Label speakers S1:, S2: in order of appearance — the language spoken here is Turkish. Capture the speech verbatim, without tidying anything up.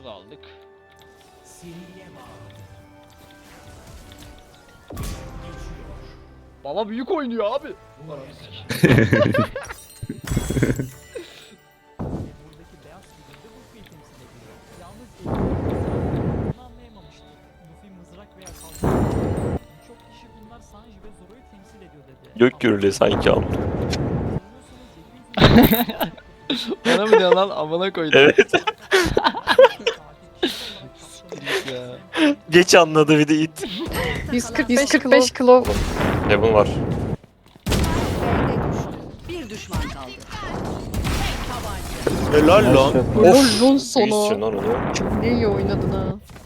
S1: da aldık. Baba büyük oynuyor abi.
S2: Buradaki beyaz figürde Luffy'yi temsil ediyor. Yalnız bunu anlayamamıştı. Luffy mızrak veya kalkan. Birçok kişi bunlar Sanji ve Zoro'yu temsil ediyor dedi.
S3: Gök gürülü sanki ama.
S1: Bana mı diyorsun lan amına koydum.
S3: Evet.
S1: ya.
S3: Geç anladı bir de it.
S4: yüz kırk beş kilo.
S3: Heaven var.
S5: Bir düşman kaldı.
S3: Helal lan.
S4: Lol lol
S3: İyisin
S4: sana.
S3: lan onu.
S4: Çok ne iyi oynadın ha.